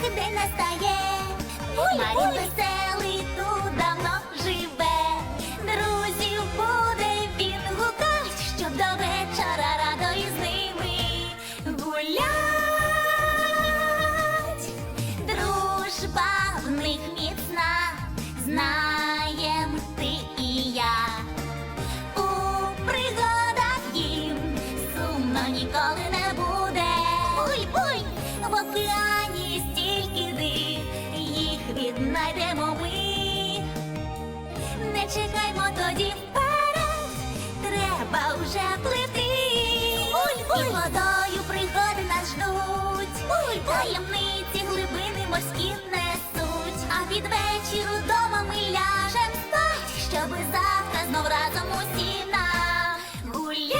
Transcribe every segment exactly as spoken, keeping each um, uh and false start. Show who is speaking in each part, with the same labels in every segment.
Speaker 1: щасливий день настає. Марін веселий тут давно живе. Друзів буде він гукать, щоб до вечора радо із ними гулять. Дружба в них міцна, знаєм ти і я. У пригадах їм сумно ніколи не буде. Буй-буй! В океані стільки див, їх віднайдемо ми. Не чекаймо тоді вперед, треба вже плити. Буй-буй! І водою пригоди нас ждуть. Буй-буй! Таємниці глибини морські несуть. А під вечір удома ми ляжем спать, щоби завтра знов разом усі нагулять.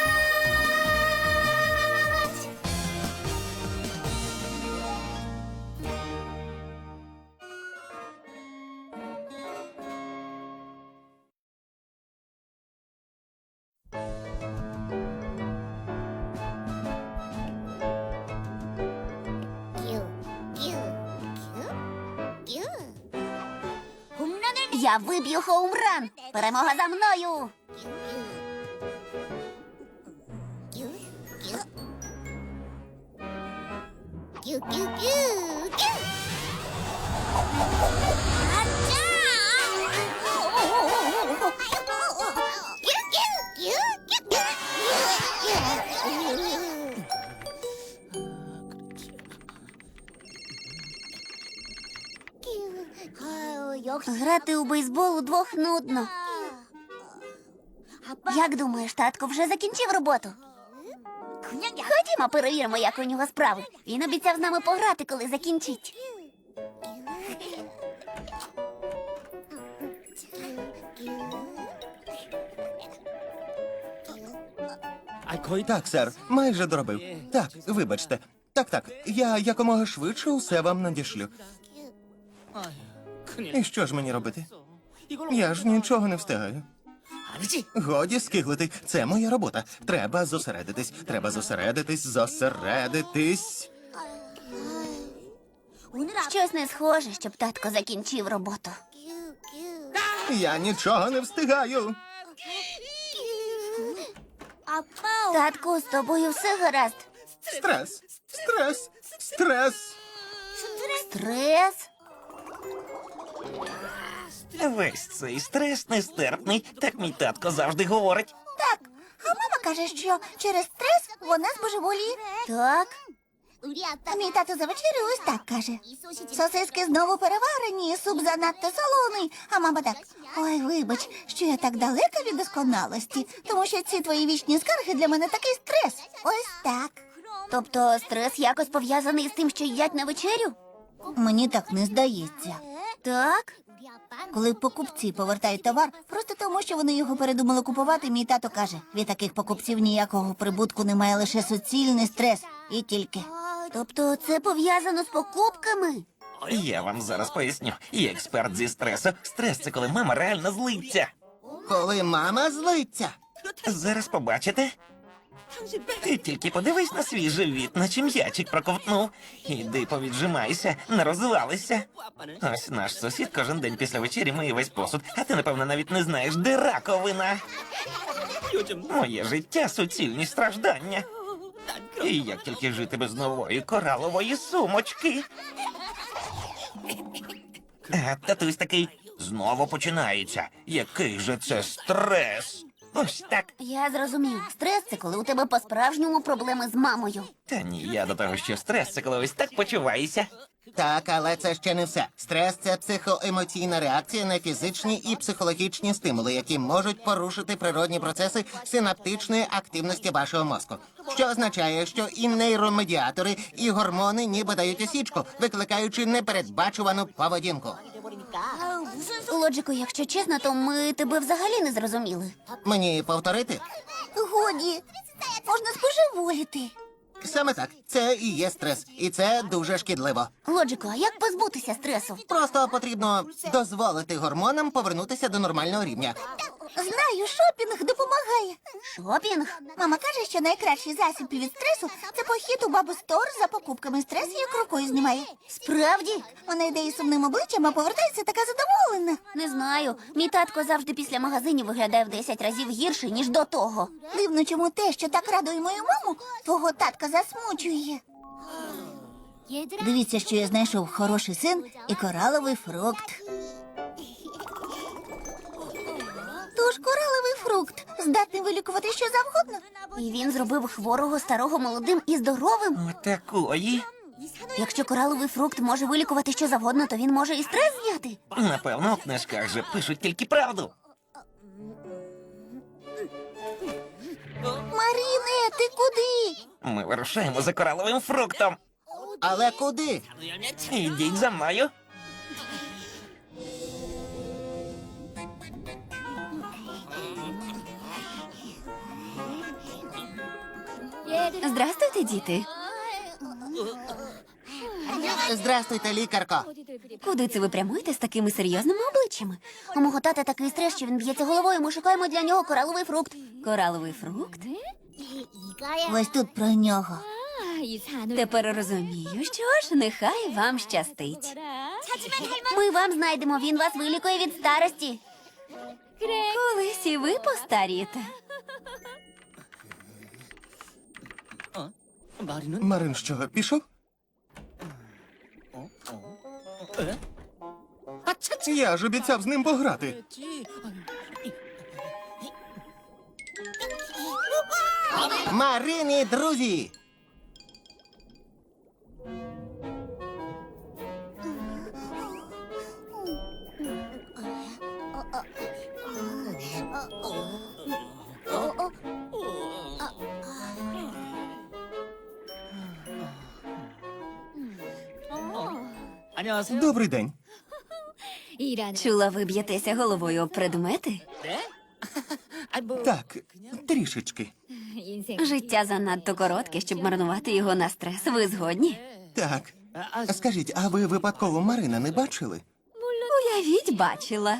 Speaker 1: Я виб'ю хоумран. Перемога за мною. Грати у бейсбол удвох нудно. Як думаєш, татко вже закінчив роботу? Ходімо, перевіримо, як у нього справи. Він обіцяв з нами пограти, коли закінчить.
Speaker 2: Так, сер, майже доробив. Так, вибачте. Так, так, я якомога швидше усе вам надішлю. І що ж мені робити? Я ж нічого не встигаю. Годі скиглити, це моя робота. Треба зосередитись, треба зосередитись, зосередитись.
Speaker 1: Щось не схоже, щоб татко закінчив роботу.
Speaker 2: Я нічого не встигаю.
Speaker 1: Татку, з тобою все гаразд?
Speaker 2: Стрес, стрес, стрес.
Speaker 1: Стрес?
Speaker 3: Весь цей стрес нестерпний, так мій татко завжди говорить.
Speaker 1: Так. А мама каже, що через стрес вона збожеволіє. Так. А мій тато за вечерю ось так каже. Сосиски знову переварені, суп занадто солоний. А мама так: ой, вибач, що я так далека від досконалості, тому що ці твої вічні скарги для мене такий стрес. Ось так. Тобто стрес якось пов'язаний з тим, що їдять на вечерю?
Speaker 4: Мені так не здається.
Speaker 1: Так.
Speaker 4: Коли покупці повертають товар, просто тому, що вони його передумали купувати, мій тато каже, від таких покупців ніякого прибутку немає, лише суцільний стрес. І тільки.
Speaker 1: Тобто це пов'язано з покупками?
Speaker 3: Я вам зараз поясню. Я експерт зі стресу. Стрес – це коли мама реально злиться.
Speaker 2: Коли мама злиться.
Speaker 3: Зараз побачите. Ти тільки подивись на свій живіт, наче м'ячик проковтнув. Іди повіджимайся, не розвалися. Ось наш сусід кожен день після вечері миє весь посуд, а ти, напевно, навіть не знаєш, де раковина. Моє життя – суцільні страждання. І як тільки жити без нової коралової сумочки. А татусь такий: знову починається. Який же це стрес? Ось так.
Speaker 1: Я зрозумів. Стрес – це коли у тебе по-справжньому проблеми з мамою.
Speaker 3: Та ні, я до того, що стрес – це коли ось так почуваєшся.
Speaker 2: Так, але це ще не все. Стрес – це психоемоційна реакція на фізичні і психологічні стимули, які можуть порушити природні процеси синаптичної активності вашого мозку. Що означає, що і нейромедіатори, і гормони ніби дають осічку, викликаючи непередбачувану поведінку.
Speaker 1: Лоджику, якщо чесно, то ми тебе взагалі не зрозуміли.
Speaker 2: Мені повторити?
Speaker 4: Годі, можна споживоліти.
Speaker 2: Саме так, це і є стрес, і це дуже шкідливо.
Speaker 1: Лоджико, а як позбутися стресу?
Speaker 2: Просто потрібно дозволити гормонам повернутися до нормального рівня.
Speaker 1: Знаю, шопінг допомагає. Шопінг? Мама каже, що найкращий засіб від стресу це похід у бабу Стор за покупками. Стрес як рукою знімає. Справді? Вона йде із сумним обличчям, а повертається така задоволена. Не знаю. Мій татко завжди після магазинів виглядає в десять разів гірше, ніж до того. Дивно, чому те, що так радує мою маму, твого татка засмучує.
Speaker 4: Дивіться, що я знайшов хороший син і кораловий фрукт.
Speaker 1: Тож кораловий фрукт здатний вилікувати що завгодно. І він зробив хворого старого молодим і здоровим.
Speaker 3: Отакої.
Speaker 1: Якщо кораловий фрукт може вилікувати що завгодно, то він може і стрес зняти.
Speaker 3: Напевно, у книжках же пишуть тільки правду.
Speaker 1: Маріне, ти куди?
Speaker 3: Ми вирушаємо за кораловим фруктом.
Speaker 2: Але куди?
Speaker 3: Ідіть за мною.
Speaker 1: Здрастуйте, діти.
Speaker 2: Здрастуйте, лікарко.
Speaker 1: Куди це ви прямуєте з такими серйозними обличчями? У мого тата такий стрес, що він б'ється головою, ми шукаємо для нього кораловий фрукт. Кораловий фрукт?
Speaker 4: Ось тут про нього.
Speaker 1: Тепер розумію, що ж, нехай вам щастить. Ми вам знайдемо, він вас вилікує від старості. Колись і ви постарієте.
Speaker 2: Марин що, пішов? Я ж обіцяв з ним пограти. Марині, друзі! Добрий день.
Speaker 1: Чула, ви б'єтеся головою об предмети?
Speaker 2: Так, трішечки.
Speaker 1: Життя занадто коротке, щоб марнувати його на стрес. Ви згодні?
Speaker 2: Так. Скажіть, а ви випадково Марина не бачили?
Speaker 1: Уявіть, бачила.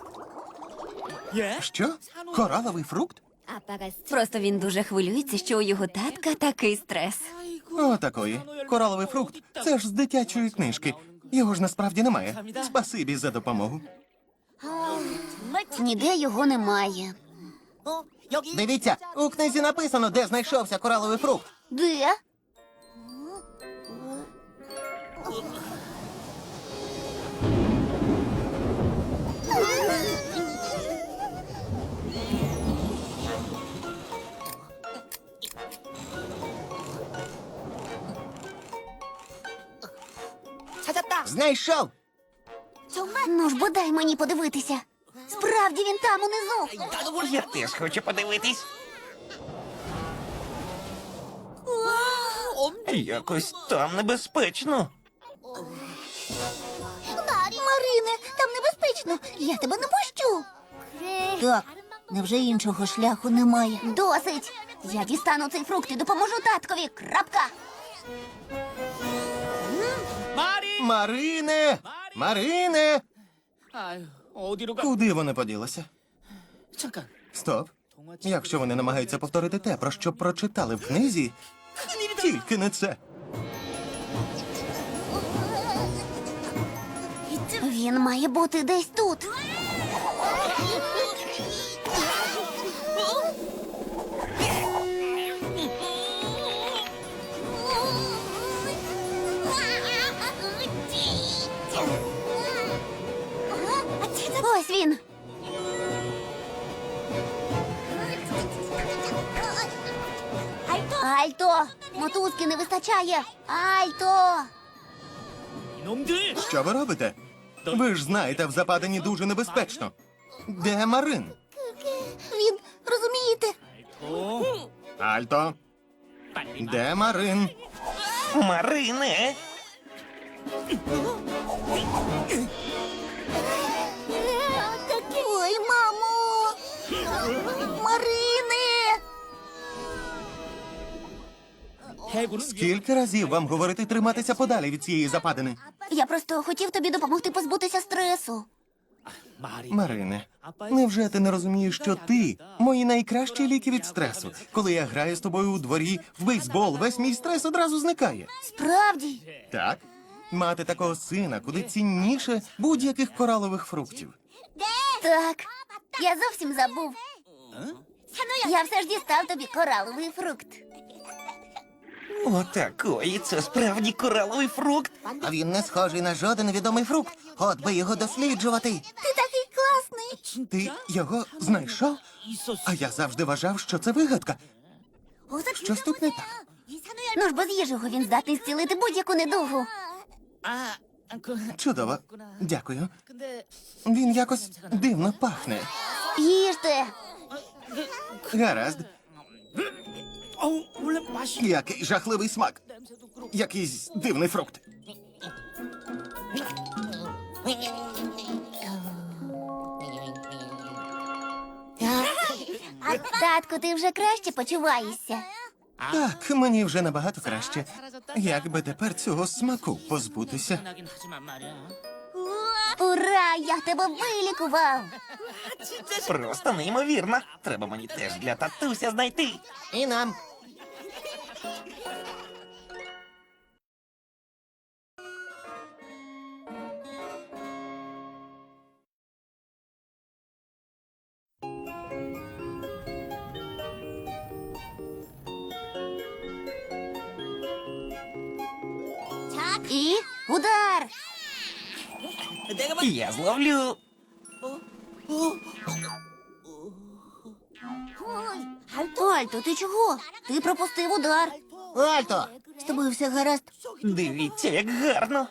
Speaker 2: Що? Кораловий фрукт?
Speaker 1: Просто він дуже хвилюється, що у його татка такий стрес.
Speaker 2: О, такої. Кораловий фрукт – це ж з дитячої книжки. Його ж насправді немає. Спасибі за допомогу.
Speaker 1: Ніде його немає.
Speaker 2: Дивіться, у книзі написано, де знайшовся кораловий фрукт.
Speaker 1: Де?
Speaker 2: Знайшов!
Speaker 1: Ну ж, бодай мені подивитися. Справді він там унизу.
Speaker 3: Я теж хочу подивитись. Якось там небезпечно.
Speaker 1: Марине, там небезпечно. Я тебе не пущу.
Speaker 4: Так, невже іншого шляху немає?
Speaker 1: Досить. Я дістану цей фрукт і допоможу таткові. Крапка.
Speaker 2: Марине! Марине! Куди вони поділися? Стоп. Якщо вони намагаються повторити те, про що прочитали в книзі, тільки не це.
Speaker 1: Він має бути десь тут. Ось він. Альто! Мотузки не вистачає! Альто!
Speaker 2: Що ви робите? Ви ж знаєте, в западині дуже небезпечно. Де Марин?
Speaker 1: Він, розумієте?
Speaker 2: Альто. Де Марин?
Speaker 3: Марине!
Speaker 1: Ой, мамо! Марине!
Speaker 5: Скільки разів вам говорити триматися подалі від цієї западини?
Speaker 1: Я просто хотів тобі допомогти позбутися стресу.
Speaker 5: Марине, невже ти не розумієш, що ти мої найкращі ліки від стресу? Коли я граю з тобою у дворі в бейсбол, весь мій стрес одразу зникає.
Speaker 1: Справді?
Speaker 5: Так? Мати такого сина куди цінніше будь-яких коралових фруктів.
Speaker 1: Так, я зовсім забув. Я все ж дістав тобі кораловий фрукт.
Speaker 3: Отакої, це справді кораловий фрукт.
Speaker 2: А він не схожий на жоден відомий фрукт. От би його досліджувати.
Speaker 1: Ти такий класний.
Speaker 5: Ти його знайшов? А я завжди вважав, що це вигадка. Щось тут не так.
Speaker 1: Ну ж, бо з'їж його, він здатний зцілити будь-яку недугу.
Speaker 5: Чудово. Дякую. Він якось дивно пахне.
Speaker 1: Їжте.
Speaker 5: Гаразд. Який жахливий смак. Якийсь дивний фрукт.
Speaker 1: Татку, ти вже краще почуваєшся.
Speaker 5: Так, мені вже набагато краще. Як би тепер цього смаку позбутися?
Speaker 1: Ура! Я тебе вилікував.
Speaker 3: Просто неймовірно. Треба мені теж для татуся знайти.
Speaker 2: І нам.
Speaker 1: І удар.
Speaker 3: Я зловлю.
Speaker 1: Альто, ти чого? Ти пропустив удар.
Speaker 2: Альто!
Speaker 1: З тобою все гаразд.
Speaker 3: Дивіться, як гарно.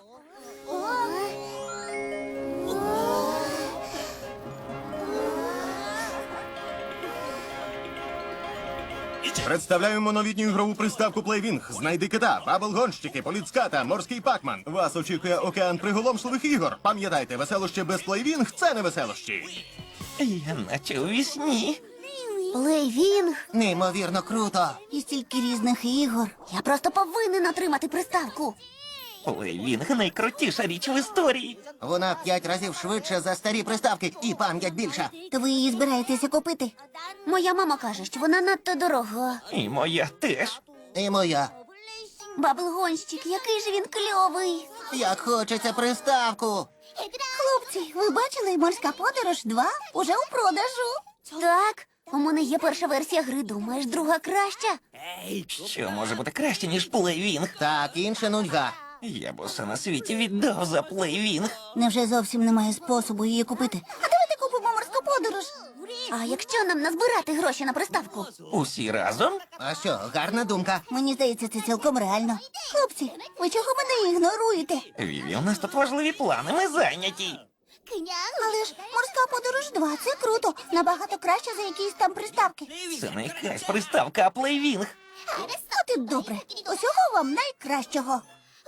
Speaker 5: Представляємо новітню ігрову приставку Плейвінг. Знайди кита, бабл-гонщики, поліцката, морський пакман. Вас очікує океан приголомшливих ігор. Пам'ятайте, веселощі без Плейвінг – це не веселощі.
Speaker 3: Я наче у вісні.
Speaker 1: Плейвінг.
Speaker 2: Неймовірно круто.
Speaker 1: І стільки різних ігор. Я просто повинен отримати приставку.
Speaker 3: Плейвінг найкрутіша річ в історії.
Speaker 2: Вона в п'ять разів швидше за старі приставки і пам'ять більша.
Speaker 1: То ви її збираєтеся купити? Моя мама каже, що вона надто дорога.
Speaker 3: І моя теж.
Speaker 2: І моя.
Speaker 1: Баблгонщик, який же він кльовий.
Speaker 2: Як хочеться приставку.
Speaker 1: Хлопці, ви бачили «Морська подорож два» уже у продажу? Так, у мене є перша версія гри, думаєш, друга краща?
Speaker 3: Що може бути краще, ніж Плейвінг?
Speaker 2: Так, інша нудьга.
Speaker 3: Я б усе на світі віддав за Плейвінг.
Speaker 1: Невже зовсім немає способу її купити? А давайте купимо «Морську подорож». А якщо нам назбирати гроші на приставку?
Speaker 3: Усі разом?
Speaker 2: А що, гарна думка.
Speaker 1: Мені здається, це цілком реально. Хлопці, ви чого мене ігноруєте?
Speaker 3: Віві, у нас тут важливі плани, ми зайняті.
Speaker 1: Але ж «Морська подорож два» – це круто. Набагато краще за якісь там приставки.
Speaker 3: Це не якась приставка, а Плейвінг.
Speaker 1: От і добре. Усього вам найкращого.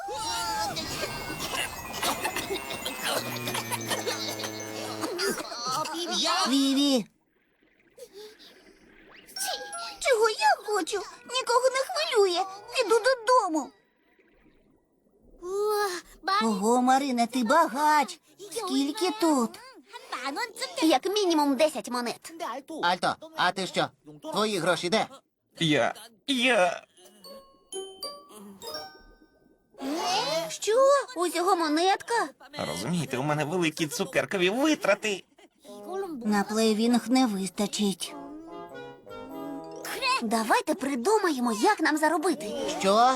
Speaker 1: Віві. Чого я хочу? Нікого не хвилює. Піду додому. Ого, Марина, ти багач. Скільки тут? Як мінімум десять монет.
Speaker 2: Альто, а ти що? Твої гроші де?
Speaker 3: Я. я.
Speaker 1: Що? Усього монетка?
Speaker 3: Розумієте, у мене великі цукеркові витрати.
Speaker 1: На плейвінг не вистачить. Давайте придумаємо, як нам заробити.
Speaker 2: Що?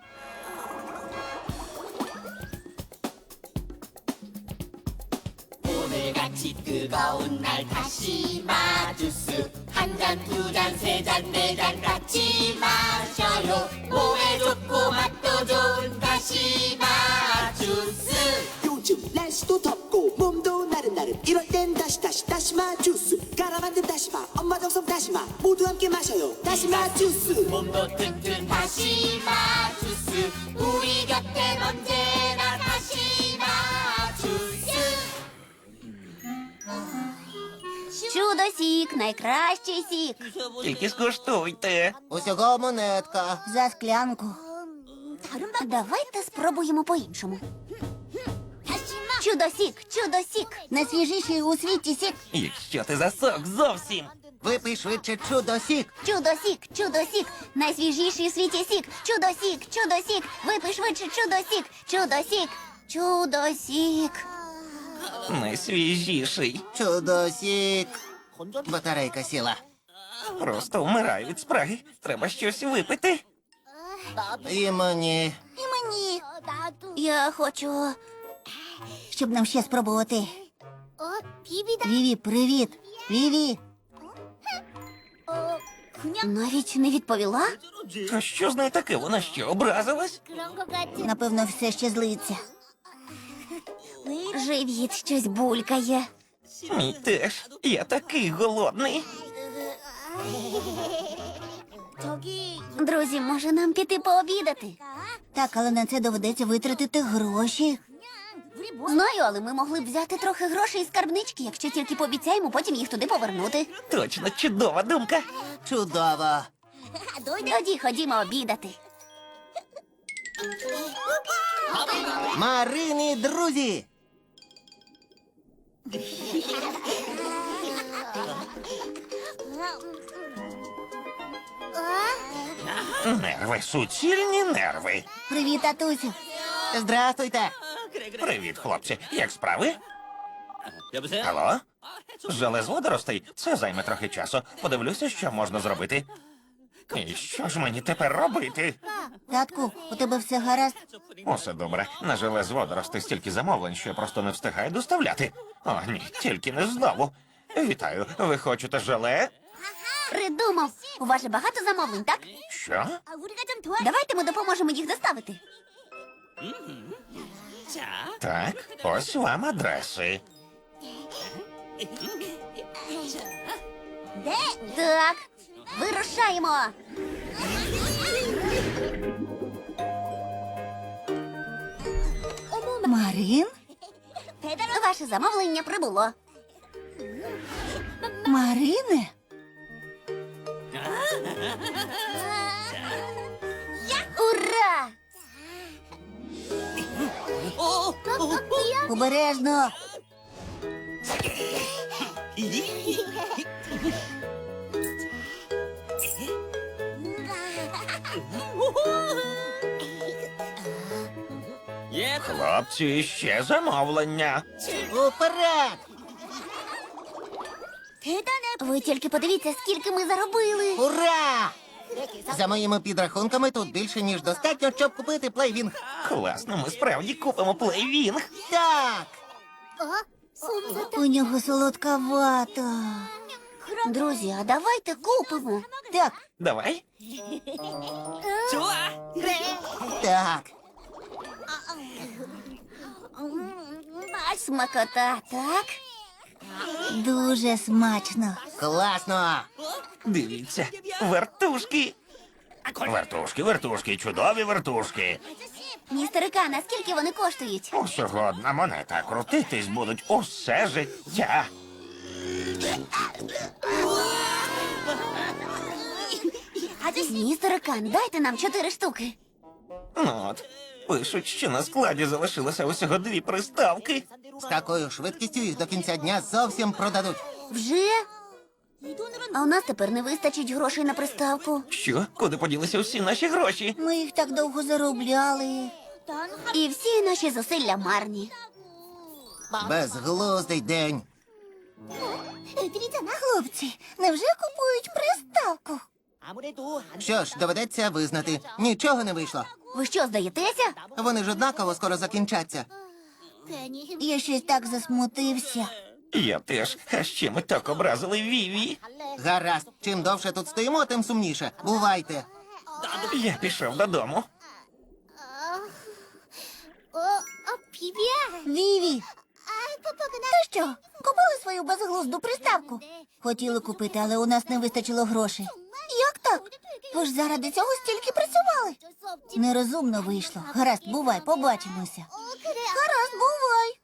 Speaker 6: 오늘같이 뜨거운 날 다시 마주스 한 잔, 두 잔, 세 잔, 네 잔 같이 마셔요 몸에 좋고 맛도 좋은 다시 마주스
Speaker 7: 요즘 날씨도 덥고 몸도 나른나른 이럴 땐 다시 다시 다시마 주스 갈아 만든 다시마 엄마 정성 다시마 모두 함께 마셔요 다시마 주스
Speaker 6: 몸도 튼튼 다시 마주스 우리 곁엔 언제나 다시 마주스
Speaker 1: Чудо сік, найкращий сік.
Speaker 3: Тільки скуштуйте.
Speaker 2: Усього монетка.
Speaker 1: За склянку. Давайте спробуємо по-іншому. Чудо-сік, чудо-сік.
Speaker 4: Найсвіжіший у світі сік.
Speaker 3: Якщо ти засох зовсім.
Speaker 2: Випий швидше чудо-сік.
Speaker 1: Чудо-сік, чудо-сік. Найсвіжіший у світі сік. Чудо-сік, чудо-сік. Випий швидше чудо-сік. Чудо-сік, чудо-сік.
Speaker 3: Найсвіжіший.
Speaker 2: Чудо-сік. Батарейка сіла.
Speaker 3: Просто вмираю від спраги. Треба щось випити.
Speaker 2: І мені.
Speaker 1: І мені. Я хочу.
Speaker 4: Щоб нам ще спробувати. Віві, привіт. Віві.
Speaker 1: Навіть не відповіла?
Speaker 3: А що з нею таке? Вона що, образилась?
Speaker 4: Напевно, все ще злиться.
Speaker 1: Живіт щось булькає.
Speaker 3: Мій теж. Я такий голодний.
Speaker 1: Друзі, може нам піти пообідати?
Speaker 4: Так, але на це доведеться витратити гроші.
Speaker 1: Знаю, але ми могли б взяти трохи грошей із скарбнички, якщо тільки пообіцяємо потім їх туди повернути.
Speaker 3: Точно чудова думка.
Speaker 2: Чудово.
Speaker 1: Тоді ходімо обідати.
Speaker 2: Марини, друзі.
Speaker 3: Нерви, суцільні нерви.
Speaker 4: Привіт, татусю.
Speaker 2: Здрастуйте.
Speaker 3: Привіт, хлопці. Як справи? Алло? Желе з водоростей? Це займе трохи часу. Подивлюся, що можна зробити. І що ж мені тепер робити?
Speaker 4: Татку, у тебе все гаразд?
Speaker 3: Усе добре. На желе з водоростей стільки замовлень, що я просто не встигаю доставляти. О, ні, тільки не знову. Вітаю, ви хочете желе?
Speaker 1: Придумав. У вас же багато замовлень, так?
Speaker 3: Що?
Speaker 1: Давайте ми допоможемо їх доставити.
Speaker 3: Так, ось вам адреси.
Speaker 1: Так, вирушаємо.
Speaker 4: Марин?
Speaker 1: Ваше замовлення прибуло.
Speaker 4: Марине?
Speaker 1: Ура!
Speaker 4: Обережно.
Speaker 3: Хлопці, ще замовлення.
Speaker 2: Уперед!
Speaker 1: Ви тільки подивіться, скільки ми заробили.
Speaker 2: Ура! За моїми підрахунками, тут більше, ніж достатньо, щоб купити плейвінг.
Speaker 3: Класно, ми справді купимо плейвінг.
Speaker 2: Так!
Speaker 4: У нього солодка вата.
Speaker 1: Друзі, а давайте купимо.
Speaker 4: Так,
Speaker 3: Давай.
Speaker 2: Так.
Speaker 1: Смакота, так?
Speaker 4: дуже смачно.
Speaker 2: Класно!
Speaker 3: Дивіться, вертушки. Вертушки, вертушки, чудові вертушки.
Speaker 1: Містер Кан, а скільки вони коштують?
Speaker 3: Усього одна монета. Крутитись будуть усе життя.
Speaker 1: Містер Кан, дайте нам чотири штуки.
Speaker 3: Ну от, пишуть, що на складі залишилося усього дві приставки.
Speaker 2: З такою швидкістю їх до кінця дня зовсім продадуть.
Speaker 1: Вже? А у нас тепер не вистачить грошей на приставку.
Speaker 3: Що? Куди поділися всі наші гроші?
Speaker 4: Ми їх так довго заробляли.
Speaker 1: І всі наші зусилля марні.
Speaker 2: Безглуздий день.
Speaker 4: Хлопці, невже купують приставку?
Speaker 2: Що ж, доведеться визнати, нічого не вийшло.
Speaker 1: Ви що, здаєтеся?
Speaker 2: Вони ж однаково скоро закінчаться.
Speaker 4: Я щось так засмутився.
Speaker 3: Я теж. А ще ми так образили Віві.
Speaker 2: Гаразд, чим довше тут стоїмо, тим сумніше. Бувайте.
Speaker 3: Я пішов додому.
Speaker 4: Віві, ти що, купили свою безглузду приставку? Хотіли купити, але у нас не вистачило грошей. Як так? Ви ж заради цього стільки працювали. Нерозумно вийшло. Гаразд, бувай, побачимося. Гаразд, бувай.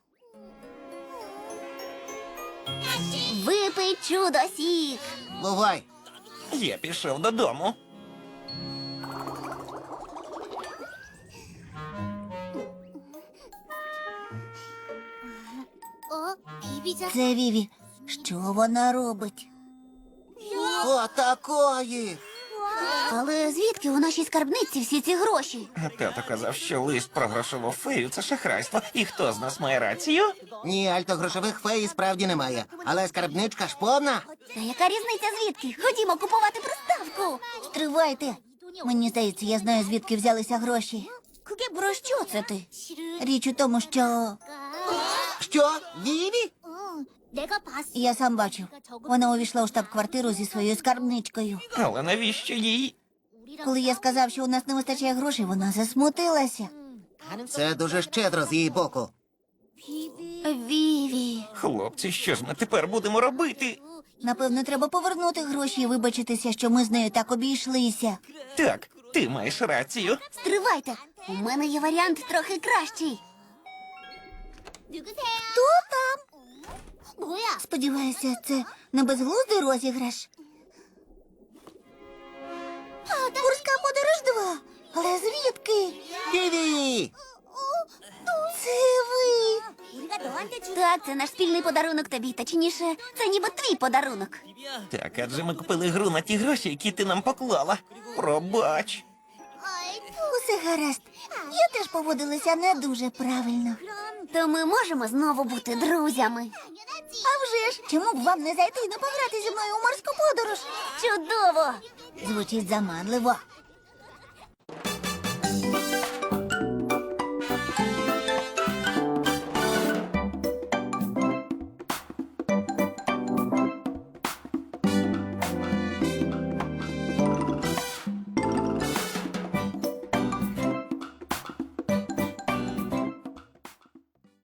Speaker 1: Випий чудо-сік.
Speaker 2: Бувай.
Speaker 3: Я пішов додому.
Speaker 4: Це Віві. Що вона робить?
Speaker 2: Отакої!
Speaker 1: Але звідки у нашій скарбниці всі ці гроші?
Speaker 3: А тато казав, що лист про грошову фею це шахрайство. І хто з нас має рацію?
Speaker 2: Ні, альтогрошових фей справді немає. Але скарбничка ж повна.
Speaker 1: Та яка різниця звідки? Ходімо купувати приставку.
Speaker 4: Стривайте. Мені здається, я знаю, звідки взялися гроші.
Speaker 1: Про що це ти?
Speaker 4: Річ у тому, що
Speaker 2: Що? Віві?
Speaker 4: я сам бачив. Вона увійшла у штаб-квартиру зі своєю скарбничкою.
Speaker 3: Але навіщо їй?
Speaker 4: Коли я сказав, що у нас не вистачає грошей, вона засмутилася.
Speaker 2: Це дуже щедро з її боку.
Speaker 1: Віві.
Speaker 3: Хлопці, що ж ми тепер будемо робити?
Speaker 4: Напевно, треба повернути гроші і вибачитися, що ми з нею так обійшлися.
Speaker 3: Так, ти маєш рацію.
Speaker 1: Стривайте. У мене є варіант трохи кращий.
Speaker 4: Хто там? Сподіваюся, це не безглуздий розіграш. Морська подорож два. Але звідки?
Speaker 2: Віві!
Speaker 4: Це ви.
Speaker 1: Так, це наш спільний подарунок тобі, точніше, це ніби твій подарунок.
Speaker 3: Так, адже ми купили гру на ті гроші, які ти нам поклала. Пробач.
Speaker 4: Усе гаразд. Я теж поводилася не дуже правильно.
Speaker 1: То ми можемо знову бути друзями.
Speaker 4: А вже ж, чому б вам не зайти і не пограти зі мною у морську подорож?
Speaker 1: Чудово!
Speaker 4: Звучить заманливо.